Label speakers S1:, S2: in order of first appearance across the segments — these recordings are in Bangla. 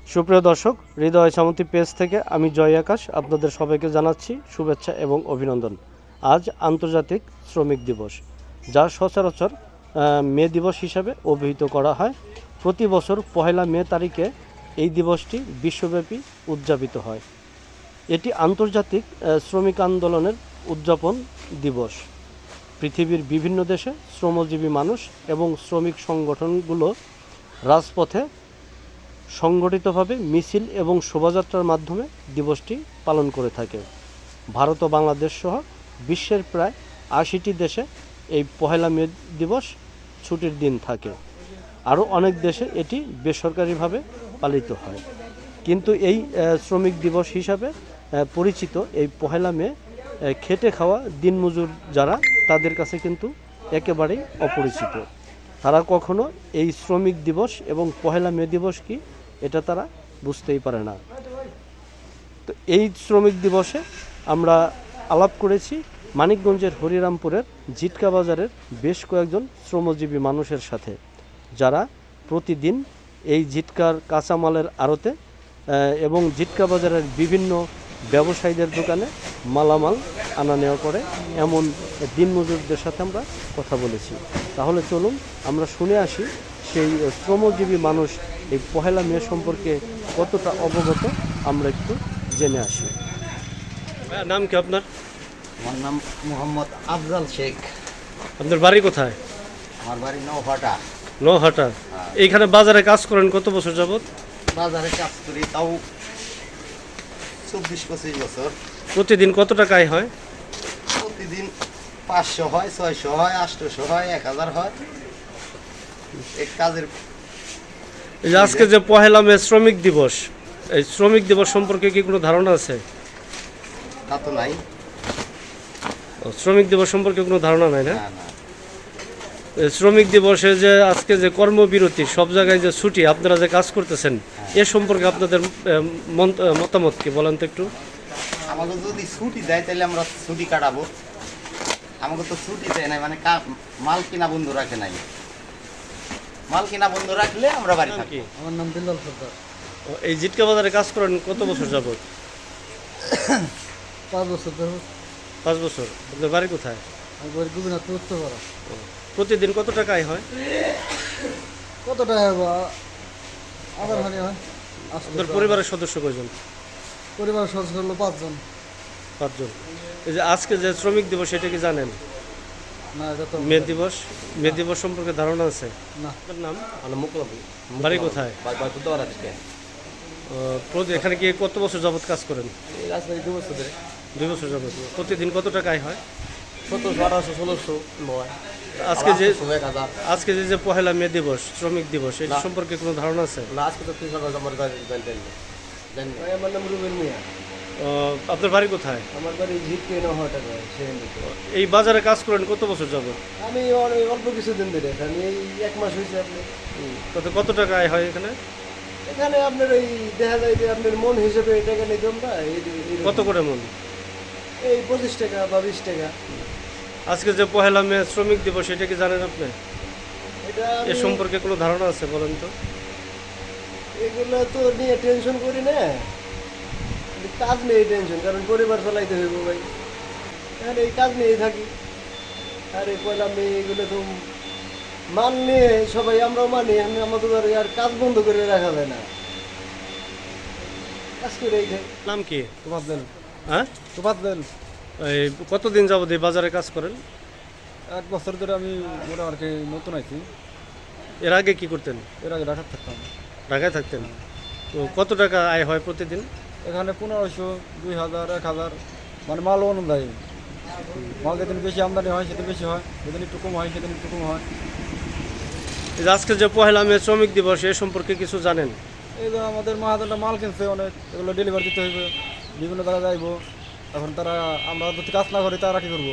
S1: সুপ্রিয় দর্শক, হৃদয় সামন্তী পেজ থেকে আমি জয় আকাশ আপনাদের সবাইকে জানাচ্ছি শুভেচ্ছা এবং অভিনন্দন। আজ আন্তর্জাতিক শ্রমিক দিবস, যা সচরাচর মে দিবস হিসাবে অভিহিত করা হয়। প্রতি বছর পহেলা মে তারিখে এই দিবসটি বিশ্বব্যাপী উদযাপিত হয়। এটি আন্তর্জাতিক শ্রমিক আন্দোলনের উদযাপন দিবস। পৃথিবীর বিভিন্ন দেশে শ্রমজীবী মানুষ এবং শ্রমিক সংগঠনগুলো রাজপথে সংগঠিতভাবে মিছিল এবং শোভাযাত্রার মাধ্যমে দিবসটি পালন করে থাকে। ভারত ও বাংলাদেশ সহ বিশ্বের প্রায় ৮০টি দেশে এই পহেলা মে দিবস ছুটির দিন থাকে। আরও অনেক দেশে এটি বেসরকারিভাবে পালিত হয়। কিন্তু এই শ্রমিক দিবস হিসাবে পরিচিত এই পহেলা মে খেটে খাওয়া দিনমজুর যারা, তাদের কাছে কিন্তু একেবারেই অপরিচিত। তারা কখনো এই শ্রমিক দিবস এবং পহেলা মে দিবস কি এটা তারা বুঝতেই পারে না। তো এই শ্রমিক দিবসে আমরা আলাপ করেছি মানিকগঞ্জের হরিরামপুরের জিটকা বাজারের বেশ কয়েকজন শ্রমজীবী মানুষের সাথে, যারা প্রতিদিন এই জিটকার কাঁচামালের আড়তে এবং জিটকা বাজারের বিভিন্ন ব্যবসায়ীদের দোকানে মালামাল আনা নেওয়া করে, এমন দিনমজুরদের সাথে আমরা কথা বলেছি। তাহলে চলুন আমরা শুনে আসি সেই শ্রমজীবী মানুষ এই পহেলা মে সম্পর্কে কতটা অবগত, আমরা একটু জেনে আসি। নাম কি আপনার?
S2: আমার নাম মোহাম্মদ আফজাল শেখ।
S1: আপনার বাড়ি কোথায়?
S2: আমার বাড়ি নৌহাটা।
S1: নহাটা। এইখানে বাজারে কাজ করেন কত বছর যাবত?
S2: বাজারে কাজ করি তাও ২৪-২৫ বছর।
S1: প্রতিদিন কত টাকা আয় হয়?
S2: প্রতিদিন ৫০০ হয়, ৬০০ হয়, ৮০০ হয়, ১০০০ হয়। এই কাজের
S1: এই যে আজকে যে পহেলা মে শ্রমিক দিবস, এই শ্রমিক দিবস সম্পর্কে কি কোনো ধারণা আছে?
S2: তা তো নাই।
S1: শ্রমিক দিবস সম্পর্কে কোনো ধারণা নাই না?
S2: না না,
S1: এই শ্রমিক দিবসে যে আজকে যে কর্মবিরতি, সব জায়গায় যে ছুটি, আপনারা যে কাজ করতেছেন, এ সম্পর্কে আপনাদের মতামত কি বলেন তো একটু?
S2: আমাকে যদি ছুটি দেয় তাহলে আমরা ছুটি কাটাবো। আমাকে তো ছুটি দেয় নাই, মানে মাল কিনা বন্ধ রাখে নাই। মাল কিনা বন্ধ রাখলে আমরা বাড়ি থাকি।
S3: আমার নাম বিল্লাল সর্দার।
S1: এই জিটকা বাজারে কাজ করেন কত বছর যাবত?
S3: 5 বছর ধরে।
S1: 5 বছর। আপনার বাড়ি কোথায়?
S3: আমি বাড়ি গোবিনাথ উত্তরপাড়া।
S1: প্রতিদিন কত টাকা আয় হয়?
S3: কত টাকা বা আধার হানি হয়।
S1: আপনার পরিবারের সদস্য কয়জন?
S3: পরিবারের সদস্য হলো 5 জন।
S1: 5 জন। এই যে আজকে যে শ্রমিক দিবস, এটা কি জানেন?
S3: না, এটা তো
S1: মে দিবস, মে দিবস সম্পর্কে ধারণা আছে?
S3: না।
S1: আপনার নাম?
S2: মুকলাবু
S1: বাড়ি কোথায়? এখানে কি কত বছর যাবত কাজ করেন? 2 বছর যাবত। প্রতিদিন কত টাকা আয় হয়?
S2: 1700, 1800, 1600 নয়।
S1: আজকে যে
S2: 1000।
S1: আজকে যে পহেলা মে দিবস, শ্রমিক দিবস, এটা সম্পর্কে কোনো ধারণা আছে?
S2: না, আজকে তো 300 আমার জানেন। আমার নাম রুবেল মিয়া।
S1: আপনার বাড়ি কোথায়?
S3: আমার বাড়ি ঝিটকে নহাটা।
S1: এই বাজারে কাজ করেন কত বছর যাবত?
S3: আমি অল্প কিছুদিন ধরে, আমি এই 1 মাস হয়েছে। আপনি
S1: তাতে কত টাকা আয় হয় এখানে?
S3: এখানে আপনার ওই দেখা যায় যে আপনার মন হিসেবে টাকা নিতে আমরা
S1: কত করে মন?
S3: এই 25 টাকা বা 20 টাকা।
S1: আজকে যে পহেলা মে শ্রমিক দিবস, এটা কি জানেন আপনি?
S3: এটা
S1: এ সম্পর্কে কোনো ধারণা আছে বলেন তো?
S3: এগুলো তো নিয়ে টেনশন করি না, কাজ নিয়ে টেনশন, কারণ পরিবার চালাইতে হইব ভাই। এখন এই কাজ নিয়েই থাকি। আর এই পয়লা মেয়ে এগুলো তো মানলে সবাই আমরাও মানি, আমি আমাদের আর কাজ বন্ধ করে রাখা যায় না, কাজ করে এই থাকি।
S1: নাম কি?
S3: তোফাজ্জল।
S1: হ্যাঁ,
S3: তোফাজ্জল।
S1: এই কতদিন যাবত এই বাজারে কাজ করেন?
S3: 1 বছর ধরে আমি মোটামুটি নতুন আইছি।
S1: এর আগে কি করতেন?
S3: এর আগে ঢাকা থাকতাম।
S1: ঢাকায় থাকতেন। তো কত টাকা আয় হয় প্রতিদিন?
S3: এখানে 1500, 2000, 1000, মানে মাল অনুযায়ী। মাল যেদিন বেশি আমদানি হয় সেদিন বেশি হয়, যেদিন একটু কম হয় সেদিন একটু কম হয়।
S1: এই যে আজকে যে পহেলা মে শ্রমিক দিবস, এ সম্পর্কে কিছু জানেন?
S3: এই যে আমাদের মাহাজনটা মাল কিনছে অনেক, এগুলো ডেলিভারি দিতে হইবে, বিভিন্ন জায়গায় যাইব। এখন তারা, আমরা যদি কাজ না করি তারা কী করবো?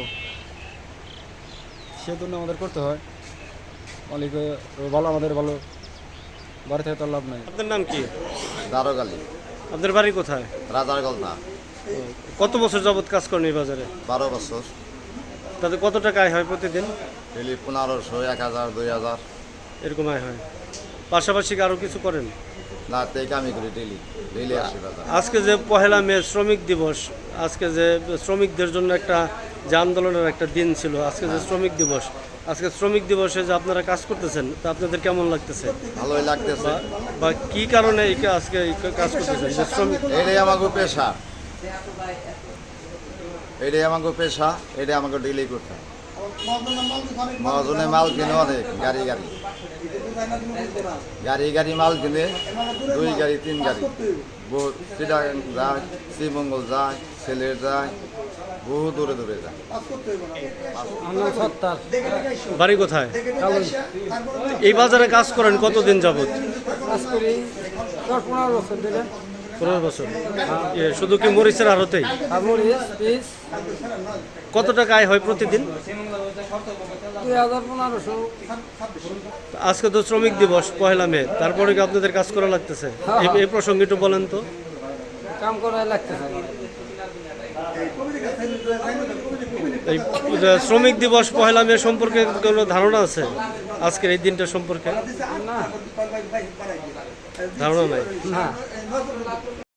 S3: সেজন্য আমাদের করতে হয়। মালিক ভালো, আমাদের ভালো, বাড়ি থেকে তো লাভ নাই।
S1: আপনার নাম কি?
S2: দারোগালি।
S1: আপনার বাড়ি কোথায়?
S2: রাজার গলনা।
S1: কত বছর যাবত কাজ করেন এই বাজারে?
S2: 12 বছর।
S1: তাতে কত টাকা আয় হয় প্রতিদিন?
S2: ডেলি 1500, 1000, 2000
S1: এরকম আয় হয়। পাশাপাশি কি আরও কিছু করেন?
S4: না থেকে আমি করি ডেলি ডেলি আসি বাজার।
S1: আজকে যে পহেলা মে শ্রমিক দিবস, আজকে যে শ্রমিকদের জন্য একটা যে আন্দোলনের একটা দিন ছিল, আজকে যে শ্রমিক দিবস, আজকে শ্রমিক দিবসে যে আপনারা কাজ করতেছেন তা আপনাদের কেমন লাগতেছে?
S4: ভালোই লাগতেছে।
S1: বা কি কারণে আজকে এই কাজ করতেছেন যে শ্রমিক?
S4: এটাই আমাকে পেশা, এটাই আমাকে পেশা, এটাই আমাকে ডেলি করতে হয়। মহাজনে মাল কিনে অনেক, গাড়ি গাড়ি গাড়ি গাড়ি মাল কিনে, 2 গাড়ি 3 গাড়ি, চিটাগাং যায়, শ্রীমঙ্গল যায়, সিলেট যায়, বহু দূরে দূরে যায়।
S1: বাড়ি কোথায়? এই বাজারে কাজ করেন কতদিন যাবত? 15 বছর। শুধু কি মরিচের আড়তেই? কত টাকা আয় হয় প্রতিদিন?
S5: 2000-1500।
S1: আজকে তো শ্রমিক দিবস পহেলা মে, তারপরে কি আপনাদের কাজ করা লাগতেছে? এই প্রসঙ্গে একটু বলেন তো।
S5: কাম করাই লাগতেছে।
S1: এই শ্রমিক দিবস পহেলা মে সম্পর্কে কোনো ধারণা আছে? আজকের এই দিনটা সম্পর্কে
S5: না
S1: ধারণা নাই।
S5: না